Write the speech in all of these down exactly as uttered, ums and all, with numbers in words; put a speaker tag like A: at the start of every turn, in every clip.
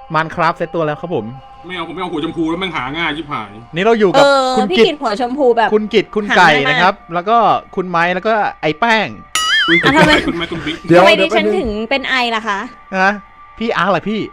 A: มันครับเซตตัวแล้วครับผม
B: ไม่เอาผมไม่เอาหัวชมพูแล้วแม่งหาง่ายชิบหาย
A: นี่เราอยู่
C: เอ
A: กับ
C: อ
A: คุณ
C: พี่
A: กิต
C: กินหัวชมพูแบบ
A: คุณกิตคุณไก่
C: หาง่ายมาก
A: นะครับ แล้วก็คุณไม้แล้วก็ไอ้แป้ง
B: คุณ
C: อ่ะทำไม
B: คุณแม่คุณบิ๊ก
D: เดี๋ยว
C: ทำไมดิ
D: เดี๋ยว
C: ฉัน
D: แป๊บนึง
C: ถึงเป็นไอล่ะคะ
A: นะพี่อาร์เหรอพี่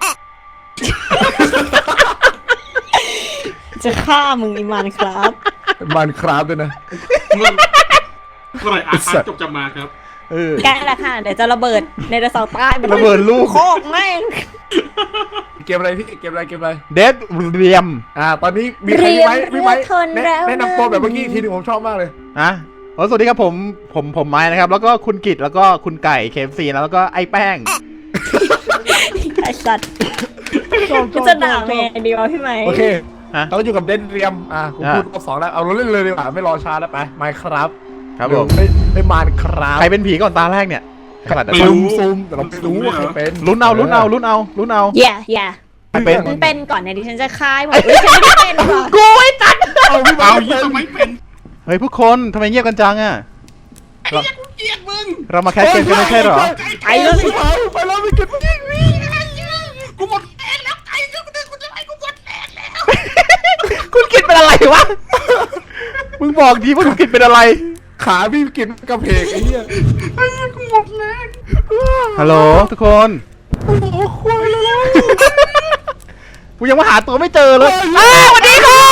C: จะฆ่ามึงอีมันครับ
D: มันครับด้วยนะ
B: เมื่อเมื่อไหร่อาร์ตจบจะมาครับ
A: เออ
C: ใกล้ละค่ะ เดี๋ยวจะระเบิดในระเสาร์ใต้
A: ระเบิดลูก
C: โคกแม่ง
D: เกมอะไรพี่เกมอะไรเกมอะไร
A: เดดเรียม
D: อ่าตอนนี้มีใครมีไหมมีไหมแนะแนะนำตัวแบบเมื่อกี้อีกทีหนึงผมชอบมากเลย
A: นะโอ้สวัสดีครับผมผมผมไม้นะครับ แล้วก็คุณกิตแล้วก็คุณไก่เคฟซีแล้วก็ไอ้แป้ง
C: ไอสัตว์
D: ชอบชอบ
C: จะด่าแม่ดีวะพี่ไหม
D: โอเค
A: ฮะ
D: เราก็อยู่กับเดนเรียมอ่าผมพูดรอบสองแล้วเอาเราเล่นเลยดีกว่าไม่รอช้าแล้วไปไม่ครับ
A: ครับผม
D: ไม่ไม่มานครับ
A: ใครเป็นผีก่อนตาแรกเนี่ยขนาด
B: ไม่
A: นั้น
B: รู้
D: ซูมแต่เราไม่รู้ว่าใครเป็น
A: ลุ้นเอาลุ้นเอาลุ้นเอาลุ้นเอา
C: แย่แย่
A: ใครเป็น
C: ฉันเป็นก่อนเนี่ยดิฉันจะคายหมดเฮ้ยฉันไม่ได้เป็นก่อน
A: กูไอ้ตัด
D: เอาพี่มา
B: เอา
D: เป็
B: ยี่
D: น
B: ทำไมเป็น
A: เฮ้ยพวกคนทำไมเงียบกันจังอ่ะ
B: ไอ้เหี้ยกูเกลียดมึง
A: เรามาแคสเกมกันไม่ใช่เหรอ
D: ไปแล้วพี่มาไปแล้วไม่เก็บวิ่งวิ่ง
B: กูหมดแรงแล้วไก่กูจะกูจะไอ้กูหมดแรงแล้ว
A: คุณกิตเป็นอะไรวะ มึงบอกดีว่าคุณกิตเป็นอะไร
D: ขาพี่กินกระเพกไอ้เหี้ย
B: ไอ้เหี้ยกูหมดแรง
A: ฮัลโหลทุกคน
D: โอ้โหควายแล้ว
A: กูยังมาหาตัวไม่เจอเลยอ้าวสวัสดีค่ะ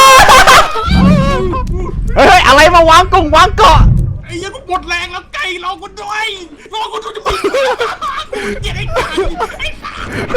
A: เฮ้ยอะไรมาวางกงวางเกาะ
B: ไอ้เหี้ยกูหมดแรงแล้วไก่รอกูด้วยรอกูด้วยจะมีกูเกลียดไอ้ไก่ไอ้สั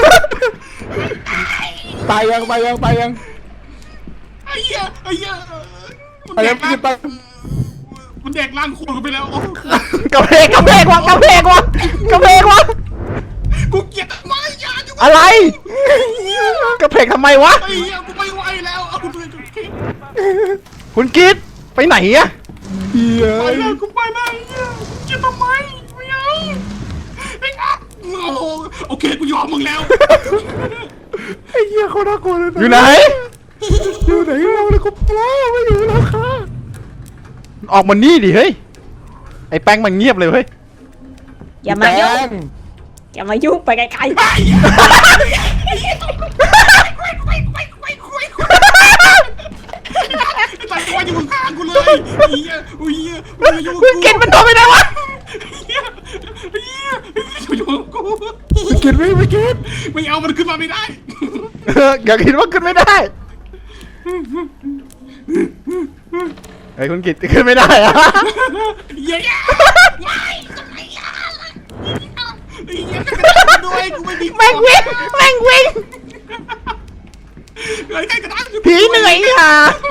B: ส
D: ตายยังตายยังตายยัง
B: ไอ้เหี้ยไอ้เหี้ย
D: ตายยังพี่ตาย
B: มันแดกร่างโคตรกันไปแล้ว
A: กระเพกกระเพกวะกระเพกวะกระเพกวะ
B: กูเกลียดมากยาอยู่
A: อะไรกระเพกทำไมวะ
B: ไอ้เหี้ยกูไม่ไหวแล้วเอากูด้วยกูเกลียด
A: คุณกิตไปไหนอะ
D: เหี้ย
B: ไปแล้วกูไปแล้วไอ้เหี้ยเกลียดทำไมไม่เอาไอ้งับโอ้โหโอเคกูยอมมึงแล้ว
D: ไอ้เหี้ยเขาน่ากลัวเลยนะ
A: อยู่ไหน
D: อยู่ไหนเราเลยกูปลาไม่อยู่แล้วค่ะ
A: ออกมานี่ดิเฮ้ยไอ้แป้งมันเงียบเลยเฮ้ย
C: อย่ามายุ่ง
D: แป้ง
C: อย่ามายุ่งไปไกล
B: ไอ้เหี้ยไอ้เหี้ยคุยคุยคุยคุยคุยคุยไอ้ตายตัวอยู่ข้างกูเลยไอ้เหี้ยไอ้เหี้ยมึงอยู่
A: คุณกิตมันโดนไปไหนวะ
B: ไอ้เหี้ยไอ้เหี้ยไอ้เหี้ยอยู่กับกู
D: ไม่กินไม่ไม่กิน
B: ไม่เอามันขึ้นมาไม่ได้
A: เอออย่าคิดว่าขึ้นไม่ได้ไอ้ยคุณกิตขึ้นไม่ได้อะ
B: เหี้ยไม่ทำไมอ่ะไอ้เหี้ยกระดานด้วยกูไม่มี
A: แม่งวิ่งแม่งวิ่ง
B: เฮ้ยใครกระดาน
A: ผีเหนื่อยอ่ะ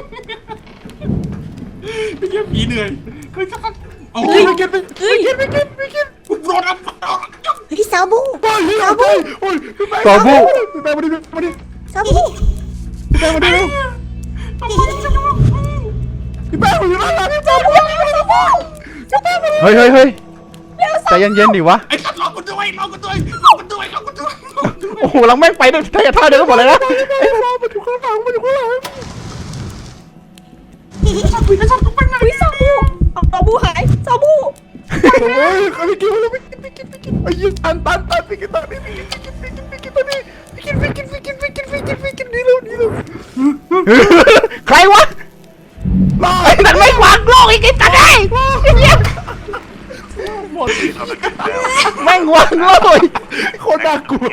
B: ไอ้เหี้ยผีเหนื่อยเฮ้ยสักพักโอ้
D: ไม่
B: ย
D: กินไม่กินไม่กินไม่กิน
B: กูโดนอัพโดน
C: ๆเฮ้ยซาบู
D: โอ้ยซาบูโอ้ยพี่แป้ง
A: ซาบู
D: พี่แป้งมาดิมาดิ
C: ซาบู
D: พี่แป้งมาดิเร็วพี่แป้งมาอยู่ด้านหลังพี่แป้งมาดิซาบูซาบูมาดิ
A: เฮ้ยเฮ้ยเฮ้ยใจเย็นๆดิวะ
B: ไอ้สัตว์รอกูด้วยรอกูด้วยรอกูด้วยรอกูด้วยรอกูด้วย
A: โอ้โหลังแม่งไปด้วยท่าท่าเดินกันหมดเลยนะ
D: ไอ้ซาบูมาอยู่ข้างหลังมาอยู่ข้างหลัง
C: เฮ้ยซาบูเอาซาบูหายซาบู
D: โอ้ยเขาไม่กินแล้วไม่กินไม่กินไม่กินไอ้ยิงตันตันตันไม่กินตันไม่กินไม่กินไม่กินไม่กินตอนนี้ไม่กินไม่กินไม่กินไม่กินไม่กินไม่กินนี่เร็วนี่เร็ว
A: ใครวะไอ้นั่นไม่วางโลกอีกไอ้ตัดไอ้
D: หมด
A: แม่งวางโลก
D: โคตรน่ากลัว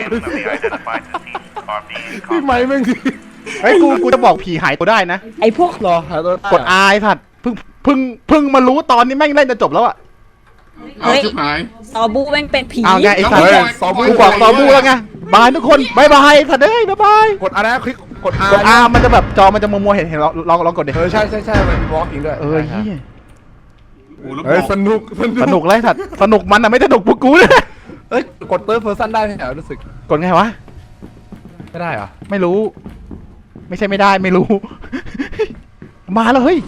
D: พี่ไม้แม่งดิ
A: ไอ้ยกูกูจะบอกผีหายตัวได้นะ
C: ไอพวก
D: รอหาตัว
A: กดอายสัตว์เพิ่งเพิ่งเพิ่งมารู้ตอนนี้แม่งเล่นจะจบแล้วอะ
B: เอาชิบหาย
C: ซาบูแม่งเป็นผี
A: เอาไงไอ้สัตว์
B: เฮ้ย
A: กูบอกตอบูแล้วไงบายทุกคนบายบายสัตว์เอ้ยบายบาย
D: กดอะไรคลิกกด R
A: กดอามันจะแบบจอมันจะมัวมัวๆเห็นเห็นลองลองลองกดดิ
D: เออใช่ใช่ใช่มันวอล์กอิงด้วย
A: เออเฮีย
B: โอ้แล้วบ
D: เฮ้ย
B: อก
D: สนุก
A: สนุกเลยสัตว์สนุกมันอะไม่สนุกพวกกูเลย
D: เอ้ยกดเติร์ดเพอร์ซันได้ไหมเหรอรู้สึก
A: กดไงวะ
D: ไม่ได้เหรอ
A: ไม่รู้ ไม่ใช่ไม่ได้ไม่รู้ มาแล้วเฮ้ย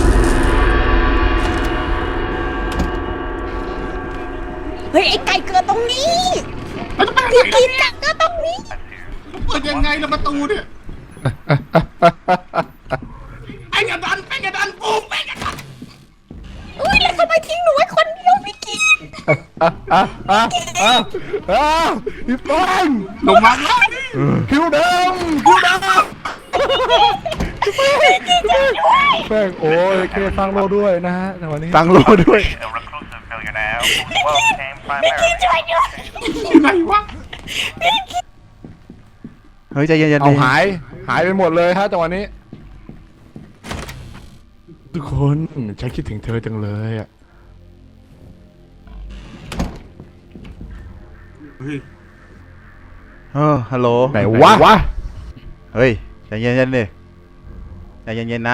C: เฮ้ยไอไก่เกิดตรงนี้
B: มันจะไป
C: พี่
B: ไหน
C: กินกัดเกิดตรงนี้
B: เปิดยังไงล่ะประตูเนี่ยไอ้กระดานไอ้กระดานกูไอ้กระดาน
C: อุ้ยแล้วทำไมทิ้งหนูไว้คนเดียวพี่กิน
D: อ่ะอ่ะอ่ะอ่ะอ่ะพี่ป้อง
B: ลงมาแล้ว
D: คิวเดิมแป้งโอ้ยเคสร้างโลด้วยนะฮะในวันนี้
A: ตังโลด้วย
E: A reclusive failure now. Well, came primarily.
B: อยู่ไหนวะ
A: เฮ้ยใจเย็นๆ
D: เอา
A: ดิ
D: หายหายไปหมดเลยฮะจังหวะนี้ ทุกคนฉันคิดถึงเธอจังเลยอ่ะ
B: เฮ้ย
A: เออฮัลโหล
D: ไหนวะวะ
A: เฮ้ยใจเย็นๆดิใจเย็นๆนะ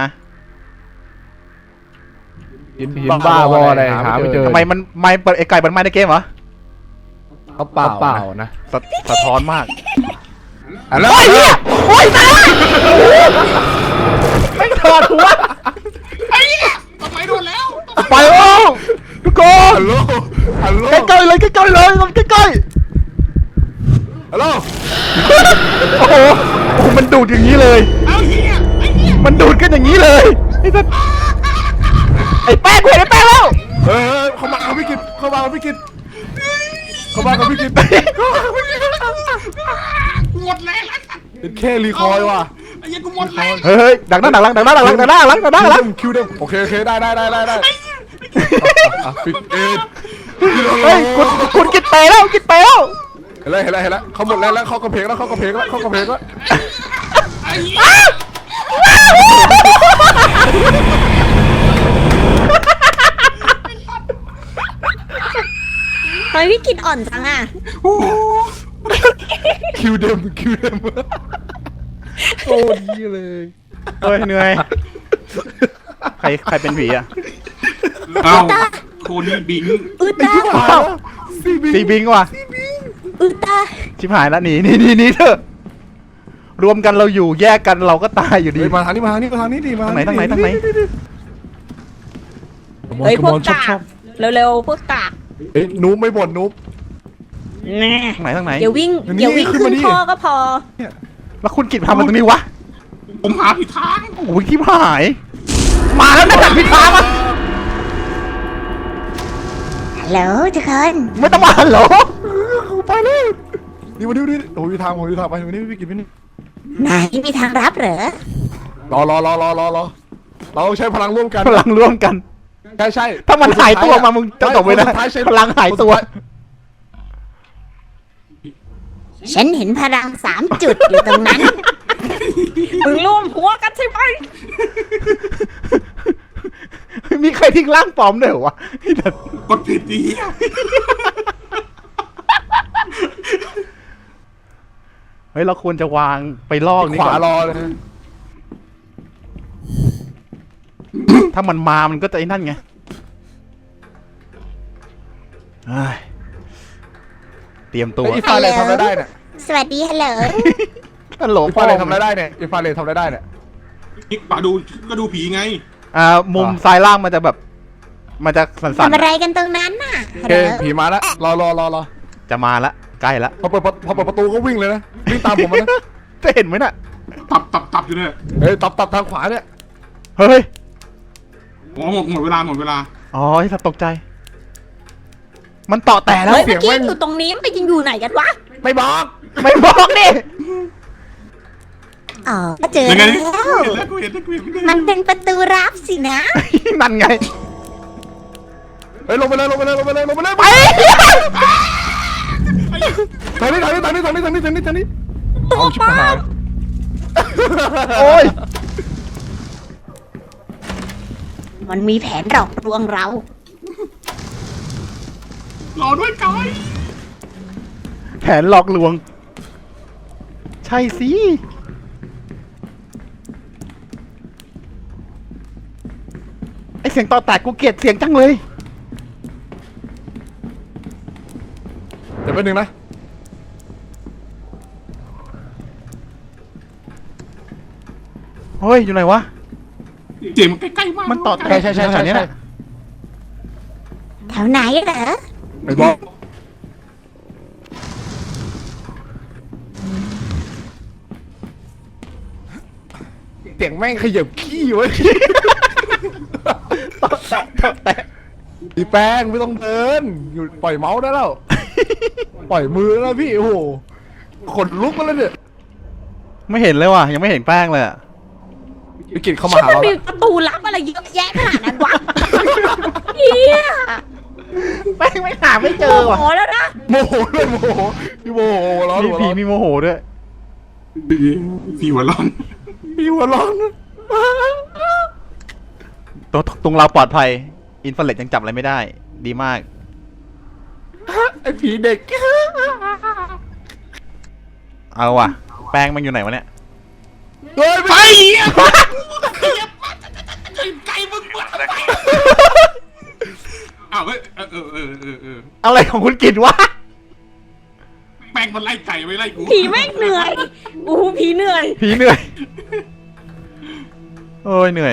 D: ยินบ้าบออะไรหาไม่เจอ
A: ทำไมมันไม่เปิดไอ้ไก่มันไม่ในเกมเหรอ
D: เขาเปล่าเปล่านะ
A: สะสะท้อนมาก
D: อ่ะแล้ว
A: โอ้ยเหี้ยโอ้ยตายไม่ถอดหัว
B: ไอ้เนี่ยทำไมโดนแล้ว
A: ไปโอ้ทุกคน
D: ฮัลโหลฮัลโหล
A: ใกล้ๆเลยใกล้ๆเลยใกล้
D: ฮัลโหล
A: ๆโอ้โหโอ้โหมันดูดอย่างนี้เลย
B: เอาเฮียไอ้เฮีย
A: มันดูดกันอย่างนี้เลยไอ้สัสไอ้แป้งเห็นไอ้แป้งแล้ว
D: เออเข้ามากับพี่กิตเข้ามากับพี่กิตเข้ามากับพี่กิต
B: หมดแรงแล้ว
D: เป็นแค่รีคอยว่ะ
B: ไอ้เฮียกูหมดแรง
A: เฮ้ยดักหน้าดักหลังดักหน้าดักหลังดักหน้าหลังดักหน้าหลัง
D: คิวเดิมโอเคโอเคได้ได้ได้ได้ได้อ่ะปิดเอ็ด
A: เฮ้ยคุณคุณกินเตะแล้วกินเตะแล้ว
D: เห็นแล้วเห็นแล้วเห็นแล้วเขาหมดแล้วแล้วเขากระเพกแล้วเขากระเพกแล้วเขากระเพกแล้ว
B: ไอ้เฮีย
C: ทำไมพี่กินอ่อนจังอ่ะ
B: โอ้โห
D: คิวเดิมคิวเดิมโอ้ดีเลย
A: เฮ้ยเหนื่อยใครใครเป็นผีอ่ะ
B: เอาโคนี่บิง
C: อืดตา
A: อ้าว
D: ซีบี
A: ตีบิงว่ะ
C: อืดตา
A: ชิบหายแล้วหนีหนีหนีหนีเถอะรวมกันเราอยู่แยกกันเราก็ตายอยู่ดี
D: เฮ้ยมาทางนี้มาทางนี้มาทางนี้ดิมา
A: ทางไหนทางไหนทางไหน
C: เฮ้ยพวก
D: ชอบ
C: กา
D: ชอก บ
C: เร็วๆพวกกาก
D: เอ้ยนูบไม่บ่นนูบ
C: แน่
A: ทางไหนทางไหน
C: เดี๋ยววิ่ง
D: อันนี้
C: เดี๋ยววิ่ง
D: ขึ้น
C: ขึ้
D: มาน นี่
C: ท่อก็พอ
A: แล้วคุณกิจทำมันตรงนี้วะ
B: ผมหาผิดทาง
A: โอ้ยชิบหายมาแล้วนะจัดพิธามา
C: ฮัลโหลทุกคน
A: ไม่ต้องมาเหรอ
D: ไปเลยนี่วันนี้วันนี้โอ้ยทางผมอยู่ทางไปวันนี้พี่กินพี่นี่
C: นายมีทางรับเหรอ
D: รอรอรอรอรอรอเราใช้พลังร่วมกัน
A: พลังร่วมกัน
D: ใช่ใช่
A: ถ้ามันหายตัวมามึงจะจบเลยนะ
D: คนสุดท้าใช้
A: พลังหายตัว
C: ฉันเห็นพลังสามจุดอยู่ตรงนั้น มึงร่วมหัวกันใช่ไหม
A: มีใครทิ้งร่างปลอมด้วยเหรอวะไอ้สัส
B: กดผิดดีย
A: เฮ้ยเราควรจะวางไปลอกนี่
D: ข
A: ก่
D: วา
A: อน
D: รอเลย
A: ถ้ามันมามันก็จะไอ้นั่นไงเฮ้ยเตรียมตัว
D: ไอ้อีฟาเลทำอะไรได้เนี่ย
C: สวัสดีฮัลโหล
A: ฮัลโหล
D: อี
A: พ่อ
D: ฟาเลททำอะไรได้เนี่ยอีฟาเลททำอะไรได้เนี่ย
B: นี่ปะดูก็ดูผีไง
A: อ่ามุมซ้ายล่างมันจะแบบ มันจะสั่น
C: ทำอะไรกันตรงนั้นน่ะ
D: โอ
C: ฮัล
D: เค
C: โหล
D: ผีมาแล้วรอรอรอรอ
A: ๆจะมาละใกล้ละ
D: พอเปิดพอเปิดประตูก็วิ่งเลยนะวิ่งตามผมมานะ
A: จะเห็นไหมน่ะ
B: ตับตับตับอยู่เนี่ย
D: เฮ้ยตับตับทางขวาเนี่ย
A: เฮ้ย
B: โอ้หมดหมดเวลาหมดเวลา
A: อ๋อไอ้สัตว์ตกใจ มันต่อแต่แล้ว
C: เฮ้ย
A: เสี
C: เมื่
A: ย
C: อง กี้
A: แม่ง
C: อยู่ตรงนี้มันไปยิงอยู่ไหนกันวะ
D: ไม่บอก
A: ไม่บอกดิ
C: อ๋อก็เจอ
B: ยังไง
C: แล้ว
B: เห็นแล้วกูเห็นแล้วกูเห็นแล้ว
C: มันเป็นประตูรับสินะ
A: นั่นไง
D: เฮ้ยลงไปเลยลงไปเลยลงไปเลยลงไปเลย
A: ไป
D: ทางนี้ทางนี้ทางนี้ทางนี้ทางนี้ทางนี้ทางนี้เอาชิบหาย
A: โอ้ย
C: มันมีแผนหลอกลวงเรา
B: รอด้วยกาย
A: แผนหลอกลวง ใช่สิ ไอเสียงต่อแตกกูเกลียดเสียงจังเลย
D: เดี๋ยวแป๊บนึงนะ
A: เฮ้ย อยู่ไหนวะ
B: เสียงมันใกล้ๆมาก
A: มันต่อแตก
D: ใช่ใช่ใช่
A: แถ
D: ใช่
A: วๆนี้
D: ใช่
A: แหละ
C: แถวไหนเหรอ
D: ไม่บอกเสียงแม่งขยับขี้ไว้
A: ต่อแตกต่อแตก
D: พี่แป้งไม่ต้องเดินอยู่ปล่อยเมาส์ได้แล้ว ปล่อยมือแล้วพี่โอ้โหขนลุกมาแล้วเนี่ย
A: ไม่เห็นเลยว่ะ ยังไม่เห็นแป้งเลยอะ
D: พี่กิตเข้ามา
C: ที่
D: หา
C: มัน
D: เรา
C: มี
D: แล้ว
C: ประตูลับอะไรเยอะแยะขนาดนั้นวะเฮีย
A: แป้งไม่หาไม่เจ
C: โม
A: อ
C: โห
A: ว่ะ
C: แล้วนะ
D: โมโหด้วยโมโหพี่โมโหร้อน
A: มี
D: หัว
A: ผี
D: ร้อน
A: มีโมโหด้วย
B: พี่หัวร้อน
D: พี่หัวร้อน
A: ตรงตรงเราปลอดภัยอินฟราเรดยังจับอะไรไม่ได้ ดีมาก
D: ไอ้ผีเด็ก
A: เอาว่ะ แป้งมันอยู่ไหนวะเนี่ย
D: เฮ้ย
B: ไป
D: ไป
B: ไก่มึงปวดไปอ้าวเฮ้ยเออเออเออเออเออ
A: อะไรของคุณกิตวะ
B: แป้งมันไล่ไก่ไม่ไล่กู
C: ผีแม่งเหนื่อยอู้หูผีเหนื่อย
A: ผีเหนื่อย โอ้ยเหนื่อย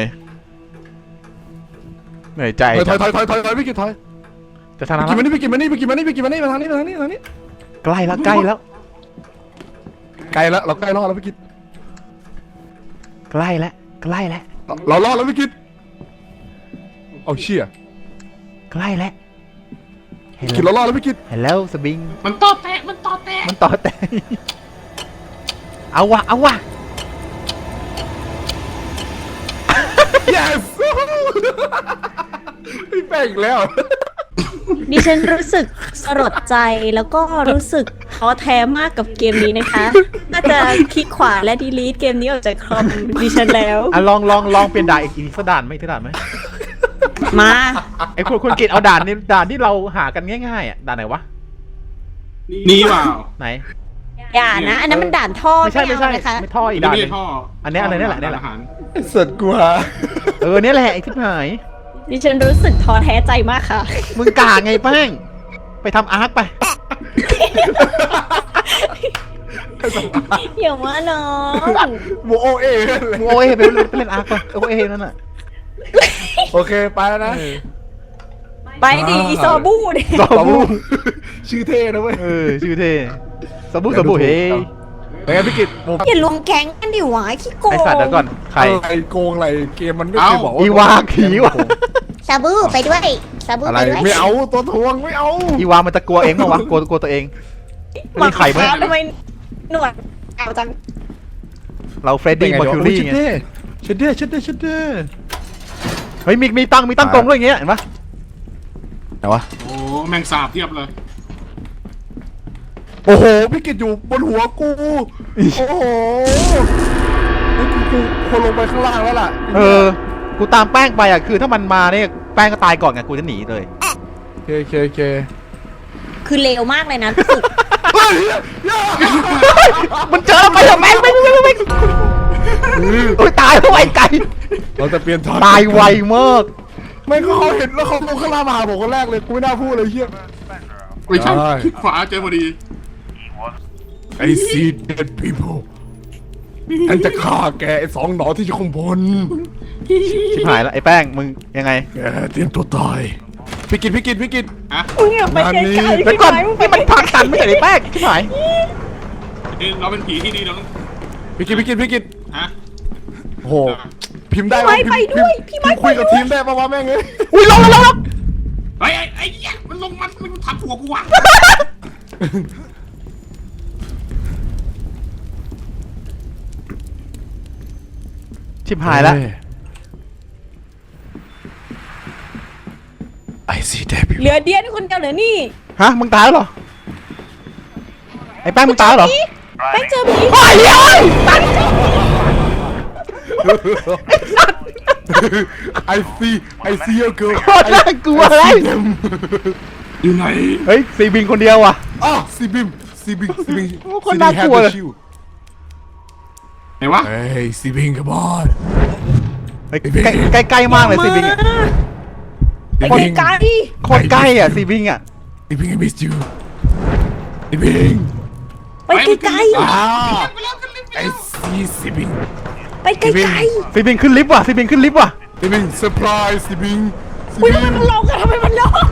A: เหนื่อยใจ
D: ถอยถอยถอยถอยถอยพี่กิตถอย
A: จะทาง
D: พี่
A: นั้น
D: กิตมานี่พี่กิตมานี่พี่กิตมานี่พี่กิตมานี่มาทางนี้มาทางนี้มาทางนี้
A: ใกล้แล้วใกล้แล้ว
D: ใกล้แล้วเราใกล้รอดแล้วพี่กิต
A: ใกล้แล้วใกล้แล้ว
D: เรารอดแล้วพี่กิตเอาเชี่ย
A: ใกล้แล้วเห็น
D: กิต
A: แล้ว
D: เรารอดแล้วพี่กิต
A: เห็นแล้วสบิง
B: มันต่อแตะมันต่อแตะ
A: มันต่อแต่ เอาวะเอาวะ
D: yes พี่แป้งอีกแล้ว
C: ดิฉันรู้สึกสลดใจแล้วก็รู้สึกท้อแท้มากกับเกมนี้นะคะน่าจะคลิกขวาและดีลีทเกมนี้ออกจากคอมดิฉันแล้ว
A: อ่ะลองลองลองเปลี่ยนด่านอีกอีกสักด่านไหมอีกสักด่านไหม
C: มา
A: ไอ้คุณคุณกิตเอาด่านนี้ด่านที่เราหากันง่ายๆอ่ะด่านไหนวะ
B: นี่เปล่า
A: ไหน
C: อย่านะ อันนั้นมันด่านท่อ
A: ไม่ใช่ไม่ใช่
C: เอานะคะ
A: ไม่ท่ออี
B: อี
A: ก
B: ก
A: ด่าน
B: ไม่
A: หนึ
B: ใช่
A: ง
B: ท่อ
A: อันเนี้ยอะไรเนี่ยแหละเนี่ยแหละ
B: อาาร
D: สัตว์กูหา
A: เออเนี่ยแหละไอ้ที่หาย
C: ดิฉันรู้สึกท้อแท้ใจมากค่ะ
A: มึงกาไงแป้งไปทำอาร์ตไป
C: อย่ามาน้อง
D: โมโอเอเลย
A: มึงโอเอไปเล่นไปเล่นอาร์ตไปโอเอนั่นน่ะ
D: โอเคไปแล้วนะ
C: ไปดิอีซอบูดิ
A: ซอบู
D: ชื่อเท่นะเว้ย
A: เออชื่อเท่ซอบูซอบูเฮ้ย
D: เป็นไงพี่กิตโม
C: อย่ารวมแก๊งกันดิวะขี้โกง
A: ไอสัตว์เดี๋ยวก่อนใคร
D: อะไรโกงอะไรเกมมันไม่เคยบอกว่า
A: อีวาผีวะ
C: ซาบูไปด้วยซาบู
D: อะไร
C: ไปด้วย
D: ไม่เอาตัวทวงไม่เอา
A: อีวามันจะกลัวเองเปล่าวะกลัวกลัวตัวเองไม่มีใครไหม
C: ทำไมหนวดเอาจัง
A: เราเฟรดดี้มาคิวรี่ไง
D: เชดเด้เชดเด้เชดเด้
A: เฮ้ยมีมีตั้งมีตั้งกรงด้วยอย่างเงี้ยเห็นปะ
D: ไหนวะ
B: โอ้แมงสาบเทียบเลย
D: โอ้โหพี่กิตอยู่บนหัวกูโอ้โหไอ้กูกูควรลงไปข้างล่างแล้วล่ะ
A: เออกูตามแป้งไปอ่ะคือถ้ามันมาเนี่ยแป้งก็ตายก่อนไงกูจะหนีเลย
D: โอเคโอเคโอเค
C: คือเลวมากเลยนะรู้สึก
D: เฮ้ยอย่า
A: มันเจอไปเถอะแม่งไม่ไม่ไม่ไม่โอ้ยตายแล้วไอ้ไก่
D: เราจะเปลี่ยนทอน
A: ตายไวมาก
D: ไม่ก็เขาเห็นแล้วเขาลงข้างล่างมาหาผมคนแรกเลยกูไม่น่าพูดเลยเชี่ย
B: ไม่ใช่
D: ได้
B: คลิกขวาเจอพอดี
E: He was
D: I see dead people ฉันจะฆ่าแกไอ้สองหนอที่อยู่ข้างบน
A: ชิบหายแล้วไอ้แป้งมึงยังไง
D: แกเตรียมตัวตายพี่กิตพี่กิตพี่กิต
B: ฮะ
C: มึงอย่าไปไกลๆ
A: เดี๋ยว
C: พี่
A: ก่อน
C: ไม้มึงไป
A: นี่มันพักกันไม่ใช่ไอ้แป้งชิบหาย
B: เอ้ยเราเป็นผีที่ดีเราต้อง
D: พี่กิตพี่กิตพี่กิต
B: ฮะ
D: โอ้โหพิมพ์ได้
C: พี่ไม้ไปด้วยพี่ไม้
D: พิมพ์คุยกับทีมได้ปะวะแม่งเอ้ย
A: อุ้ยลงแล้วลงแล้ว
B: ไอ้ไอ้ไอ้เหี้ยมันลงมันมันทับหัวกูว่ะ
A: ชิบหายแล้ว
D: ไอซีเดบิว
C: เหลือเดียนคนเดียวเหลือนี่
A: ฮะมึงตายแล้วเหรอไอ้แป้งมึงตายแล้วเหรอ
C: แป้งเจอผี
A: โอ้ยเฮ้ยตัน
D: ไอซีไอซีเอเกิร์ล
A: โคตรน่ากลัวเลย
B: อยู่ไหน
A: เฮ้ยซีบิงคนเดียวว่ะ
D: อ๋อซีบิมซีบิงซีบิง
A: โอ้คนน่ากลัวเลย
B: ไหนวะ
D: เฮ้ยซีบิงกับบอล
A: เฮ้ยใกล้ใกล้ๆมากเลยซีบิงอ่ะ
C: ไปไกล
A: โคตรใกล้อ่ะซีบิงอ่ะ
D: ซีบิง I miss you ซีบิง
C: ไปไกล
D: อ่าไอซีซีบิง
C: ๆไปไกล
A: ซีบิงขึ้นลิฟต์ว่ะซีบิงขึ้นลิฟต์ว่ะ
D: ซีบิงเซอร์ไพรส์ซีบิง
C: ๆอุ้ยทำไมมันลงอะทำไมมันลง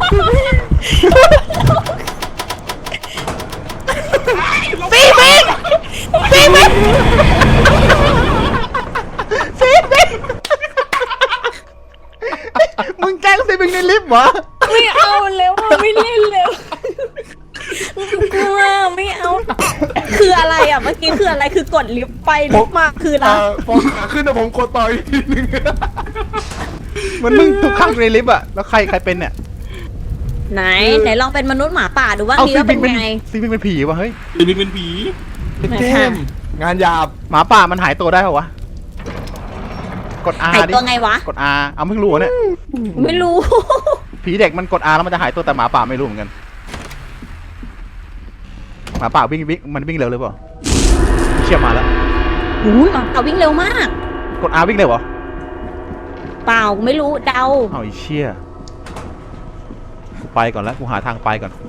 A: ซีบิงซีบิงซีบิงมึงแกล้งซีบิงในลิฟต์เหรอ
C: ไม่เอาแล้วอะไม่เล่นแล้วกลัวไม่เอา คืออะไรอะไรอ่ะเมื่อกี้คืออะไรคือกดลิฟต์ไปลิฟต์มาคืออะไร
D: อ่าพอขาขึ้นนะผมกดต่ออีกทีนึง
A: มันมึงทุกครั้งในลิฟต์อะแล้วใครใครเป็นเนี่ย
C: ไหนไหนลองเป็นมนุษย์หมาป่าดูว่า
A: เอา
C: ดี
A: ซี
C: ว่า
A: บิ
C: เป็
A: ง
C: น
A: เป็น
C: ไง
A: ซีบิงเป็นผีวะเฮ้ย
B: เป็นเป็นเป็นผี
C: ไหน
D: เจ
C: คะ
D: มส์งานหยาบ
A: หมาป่ามันหายตัวได้เหรอวะกด R
C: หาย
A: ดิ
C: ตัวไงวะ
A: กด R เอาเพิ่งรู้เหรอเนี่ย
C: ไม่รู้
A: ผีเด็กมันกด R แล้วมันจะหายตัวแต่หมาป่าไม่รู้เหมือนกันหมาป่าวิ่งวิ่งมันวิ่งเร็วเลยเปล่าเชี่ยมาแล้ว
C: อุ้ยหมาป่าวิ่งเร็วมาก
A: กด R วิ่งเร็วเหรอ
C: เปล่าไม่รู้เดา
A: เอาไอ้เชี่ยไปก่อนแล้วกูหาทางไปก่อน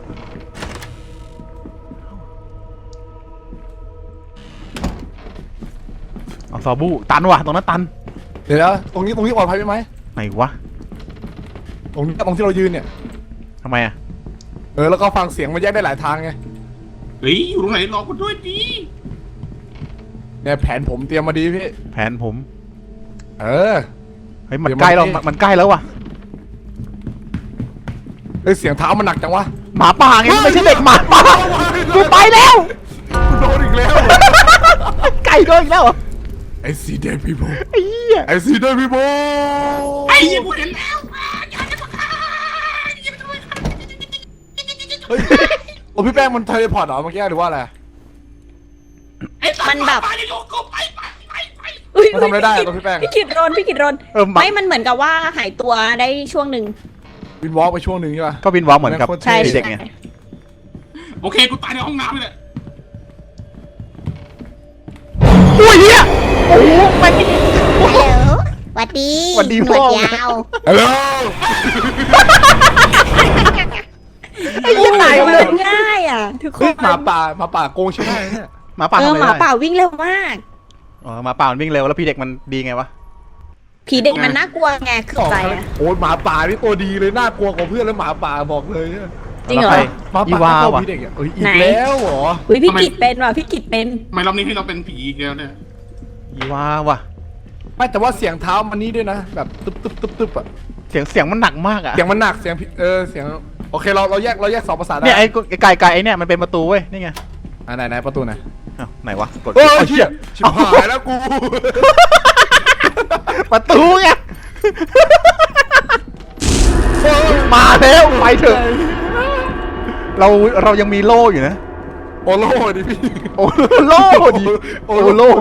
A: เอาซอบูตันว่ะตรงนั้นตัน
D: เดี๋ยวนะตรงนี้ตรงนี้ปลอดภัยไหม
A: ไหนวะ
D: ตรงนี้ตรงที่เรายืนเนี่ย
A: ทำไมอะ
D: เออแล้วก็ฟังเสียงมันแยกได้หลายทางไง
B: เฮ้ยอยู่ตรงไหนรอกูด้วยดิ
D: เนี่ยแผนผมเตรียมมาดีพี่
A: แผนผม
D: เออ
A: เฮ้ยมัน
D: เดี๋ยว
A: ใกล้แล้ว
D: มัน
A: มันมันใกล้แล้วว่ะ
D: เฮ้ยเสียงเท้ามันหนักจังวะ
A: หมาป่าไงไม่ใช่เด็กหมาป่ากูไปแล้ว
D: กูโดนอีกแล้ว
A: ไก่โดนอีกแล้วเหรอ
D: ไอซีเดนพีโบ
A: ไอ้เหี้ย
D: ไอซีเดนพีโบ
B: ไอ้ยี่กูเห็นแล้ว
D: เฮ้ยโอ้พี่แป้งมันเทเลพอร์ตเหรอเมื่อกี้หรือว่าอะไร
C: มันแบบ
B: ไปเลยลูกกูไปไปไปไป
C: อุ๊ย
D: มันทำอะไรได้อะตัวพี่แป้ง
C: พี่กิดรนพี่กิดรน
A: เออหมา
C: ไม่มันเหมือนกับว่าหายตัวได้ช่วงหนึ่ง
D: วินวอล์กไปช่วงหนึ่งใช่ป่ะ
A: ก็วินวอล์กเหมือนกับ
D: แม่งโคตร
C: ใช่
D: ท่
A: เด็กไง
B: โอเคกูตายในห้องน้ำเลยแหละ
A: อุ้ยเหี้ยโอ้โหมัน
C: ฮัลโหลสวัสดี
A: สวัสดี
C: หนวด
A: พ่อ
C: ยาว
D: ฮัลโหล
A: ไอ้เหี้ยตาย
C: มั
A: เลย
C: นง่ายอ่ะทุกค
D: เฮ้ย
C: น
D: หมาป่าหมาป่าโกงใช่ไหมเนี่ย
A: หมาป่า
C: เอ
A: ทำ
C: อ
A: อะไร
C: หมา
A: ได้
C: ป่าวิ่งเร็วมาก
A: อ๋อหมาป่ามันวิ่งเร็วแล้วพี่เด็กมันดีไงวะ
C: ผีเด็กมันน่ากลัวไงคือใจอ่ะ
D: โอ้ยหมาป่านี่ตัวดีเลยน่ากลัวกว่าเพื่อนแล้วหมาป่าบอกเลยเนี่ย
C: จริงเหรอ
A: แล้วใค
D: หมา
A: อี
D: ป่าว
A: า
D: เข้า
A: ว่ะ
D: พี่เด็กอ่ะเอ้ยอี
C: ไหน
D: กแล้วเหรอ
C: อุ้ยพี่กิดเป็นว่ะพี่กิดเป็น
B: ทำไมรอบนี้ให้เราเป็นผีอีกแล้วเนี่ย
A: อีวาว่ะ
D: ไม่แต่ว่าเสียงเท้ามันนี่ด้วยนะแบบตึ๊บตึ๊บตึ๊บตึ๊บอ่ะ
A: เสียงเสียงมันหนักมากอะ
D: เสียงมันหนักเสียงพี่เออเสียงโอเคเราเราแยกเราแยกสองภาษาได้
A: เนี่ยไอ้ไอ้ไก่ไก่ไอ้เนี่ยมันเป็นประตูเว้ยนี่ไง
D: อ่ะไหนไหนประตูไหน
A: อ้าวไหนวะกด
D: โอ้ย
A: เอา
D: เชี่
A: เชี่
D: ย
A: ย
D: ชิบหายแล้วกู
A: ประตูไงมาแล้วไปเถอะเราเรายังมีโล่อยู่นะ
D: โอโล่ดิพี่
A: โอโล่ดิโอโล่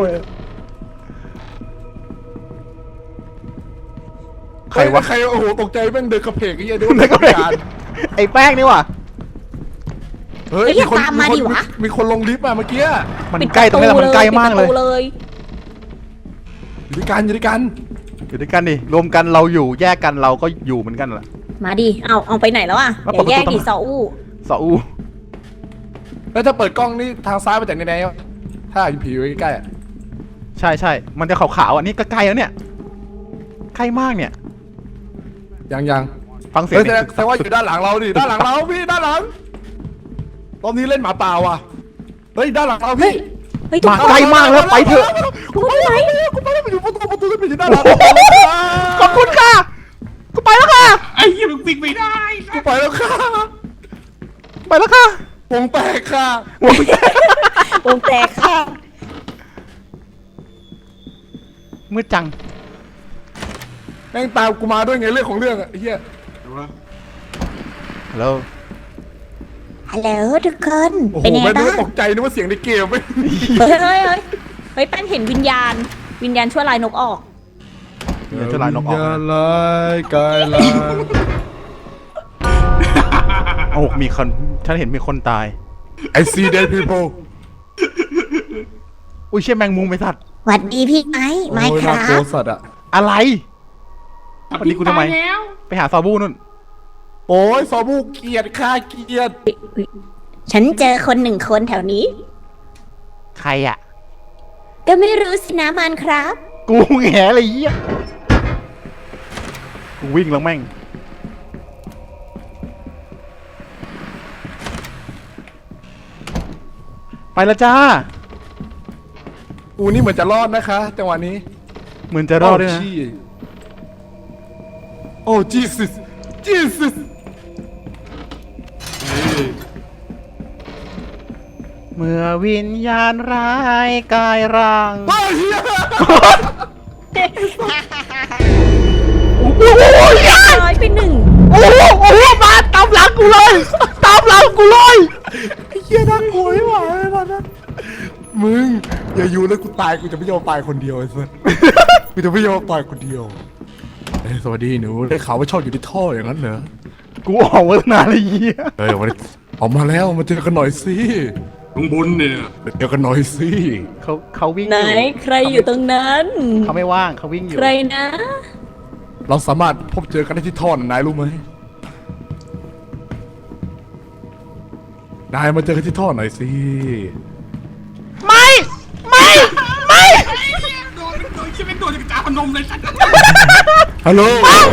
A: ใครวะ
D: ใครโอ้โหตกใจแม่งเดินกระเพกไอ้เหี้ยดู
A: เดินกระเพก ไอ้แป้งนี่ว่ะ
D: เฮ้ย
C: เฮ้ยอย่าตามมาดิวะ
D: มีคนลงลิฟต์มาเมื่อกี้
A: มัน
C: ปิด
A: ใกล้ตรงนี้แหละมันใกล้มากเลย
C: ปิดประตูเลย
D: อยู่ด้วยกันอยู่ด้วยกัน
A: อยู่ด้วยกันดิรวมกันเราอยู่แยกกันเราก็อยู่เหมือนกันแหละ
C: มาดิเอาเอาไปไหนแล้วอ่ะ
A: แล้ว
C: อย่าแยก
A: เปิดประตู
C: ดิซออู้
A: ซออู
D: แล้วถ้าเปิดกล้องนี่ทางซ้ายไปจากไหนๆถ้าอยู่ผีไว้ใกล้ๆอะ
A: ใช่ใช่มันจะขาวๆอันนี้ก็ใกล้แล้วเนี่ยใกล้มากเนี่ย
D: ยังยัง
A: ฟังเสียง
D: เฮ้ย
A: ดิ
D: แสดงแสดงว่าอยู่ด้านหลังเราดิด้านหลังเราพี่ด้านหลังรอบนี้เล่นหมาป่าว่ะเฮ้ยด้านหลังเราพี่
C: เฮ้ยทุก
A: มา
C: คน
A: ใกล้มากแล้วไปเถอะ
D: กูไปไหนกูไปแล้วไปอยู่ประตูประตูแล้วไปอยู่ด้านหลัง
A: ขอบคุณค่ะกูไปแล้วค่ะ
B: ไอ้ยี่มึงปิงไม่ได้
D: กูไปแล้วค่ะ
A: ไปแล้วค่ะ
D: วงแตกค่ะ
C: วงแตกค่ะ
A: มืดจัง
D: แม่งตามกูมาด้วยไงเรื่องของเรื่องอะไอ้เหี้ย
A: ฮัลโหล
C: ฮัลโหลทุกคน
D: โอ้โห
C: เป็นยังไง
D: แม่งนึก
C: บ้าง
D: ว่าตกใจนึกว่าเสียงในเกมไม่
C: เฮ้ยเฮ้ยเฮ้ยเฮ้ยแป้งเห็นวิญญาณ วิญญาณชั่วลายนกออก
A: เดี๋ยวจะลายนกออก
D: อย่า
A: นะ
D: ลายกายลาย
A: โอ้โหมีคนฉันเห็นมีคนตาย
D: I see dead people
A: อุ้ยเชี่ยแมงมุมไอ้สัตว์
C: หวัดดีพี่ไม้ไม้
D: โอ้ย
C: ค
D: น่า
C: รั
D: กลัว
C: บ
D: สัตว์อะ
A: อะไร วันนี้กูทำไม
B: แล้ว
A: ไปหาซอบูนู่น
D: โอ้ยซอบูเกลียดค่าเกลียด
C: ฉันเจอคนหนึ่งคนแถวนี้
A: ใครอ่ะ
C: ก็ไม่รู้สินะมันครับ
A: กูแง่เลยเหี้ยกูวิ่งแล้วแม่ง ไปแล้วจ้า
D: กูนี่เหมือนจะรอดนะคะจังหวะนี้
A: เหมือนจะรอดด้วยนะ
D: โอ้ Jesus Jesus
A: เหมือนมื่อวิญญาณร้ายกายร่าง
D: เฮ้ยเหี้ย
A: โอ้โหเหี้ย
C: ร้อยไปหนึ่ง
A: โอ้โหโอ้โหมาตามหลังกูเลยตามหลังกูเลย
D: ไอ้เหี้ยน่ากลัวไม่ไหวเลยตอนนั้นมึงอย่าอยู่เลยกูตายกูจะไม่ยอมตายคนเดียวไอ้สัส กูจะไม่ยอมตายคนเดียวเอ้ยสวัสดีหนูได้ข่าวว่าชอบอยู่ในท่ออย่างนั้นเหรอ
A: กูออกมาตั้งนานเลยเหี้ย
D: เออวันนี้ออกมาแล้วมาเจอกันหน่อยสิ
B: ข้างบนเนี่ย
D: เจอกันหน่อยสิ
A: เขาเขาวิ่ง
C: ไหน
A: อยู่
C: ใครอยู่ตรงนั้น
A: เขาไม่ว่างเขาวิ่งอยู่
C: ใครนะ
D: เราสามารถพบเจอกันได้ที่ท่อนนายรู้ไหมนายมาเจอกันที่ท่อหน่อยสิ
A: ไม่ไม่ไม่
B: โดนโดนที่ไม่โดนจากจ่าพนมเลยสัตว์
D: ฮัลโหล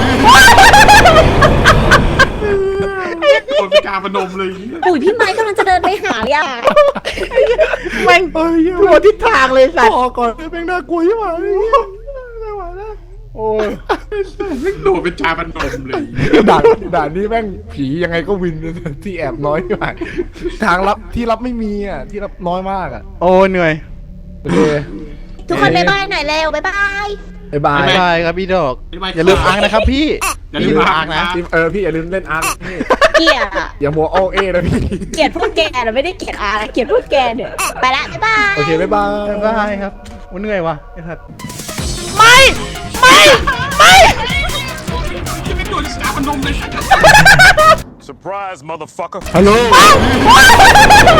B: โดนเป็นจ่าพนมเลย
C: อุ้ยพี่ไม้กำลังจะเดินไปหาเลยอ่ะ
A: แม่ง
D: เฮ้ย
A: ทั่วทิศทางเลยสัตว์
D: พอก่อนแม่งน่ากลัวยิ่งกว่าไม่ไหวแล้ว
A: โอ้ย
B: ไม่โดนเป็นจ่าพนมเลย
D: ด่านด่านนี้แม่งผียังไงก็วินที่แอบน้อยที่ไหวทางลับที่รับไม่มีอ่ะที่รับน้อยมากอ่ะ
A: โอ้เหนื่อย
D: โอเค
C: ทุกคนบ๊ายบายหน่อยเร็วบ๊ายบาย
D: บ๊ายบาย
A: บ๊ายบายครับพี่ดอก อย่าลืมอังนะครับพี่
B: อย่าลืมอังนะ
D: เออพี่อย่าลืมเล่นอาร์ตนี่
C: เกลียดอะ
D: อย่ามัวโอเอนะพี่
C: เกลียดพวกแกนะไม่ได้เกลียดอาเกลียดพวกแกเนี่ยไปละบ๊ายบาย
D: โอเคบ๊ายบาย
A: บ๊ายบายครับโอ้เหนื่อยว่ะไอ้สัตว์ไม่ ไม่ ไม่
B: ที่ไม่โดนจากจ่าพนมเลยสัตว์
E: Surprise, motherfucker.
D: ฮัลโหล